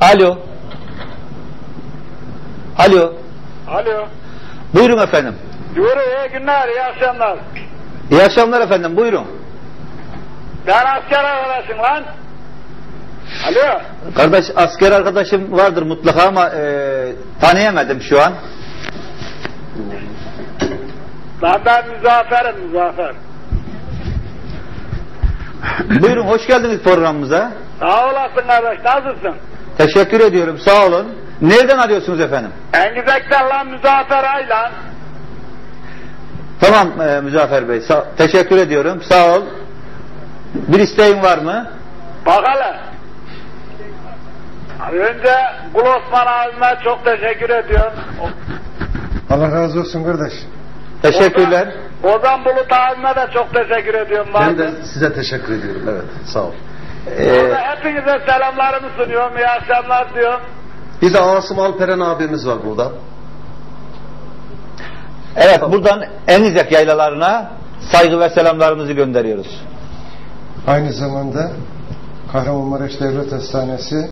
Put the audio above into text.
Alo. Alo. Alo. Buyurun efendim. Buyurun, iyi günler, iyi akşamlar. İyi akşamlar efendim, buyurun. Ben asker arkadaşım lan. Alo. Kardeş, asker arkadaşım vardır mutlaka ama tanıyamadım şu an. Ben Müzaffer'im, Müzaffer. Buyurun, hoş geldiniz programımıza. Sağ olasın kardeş, nasılsın? Teşekkür ediyorum, sağ olun. Nereden arıyorsunuz efendim? Engizek'ten lan Müzaffer Aylan. Tamam Müzaffer Bey, teşekkür ediyorum, sağ ol. Bir isteğin var mı? Bak hele. Önce Kul Osman abime çok teşekkür ediyorum. Allah razı olsun kardeş. Teşekkürler. Ozan Bulut abime de çok teşekkür ediyorum. Ben de size teşekkür ediyorum. Evet, sağ ol. Hepinize selamlarımı sunuyorum. İyi akşamlar diyorum. Bir de Asım Alperen abimiz var burada. Evet, buradan Engizek yaylalarına saygı ve selamlarımızı gönderiyoruz. Aynı zamanda Kahramanmaraş Devlet Hastanesi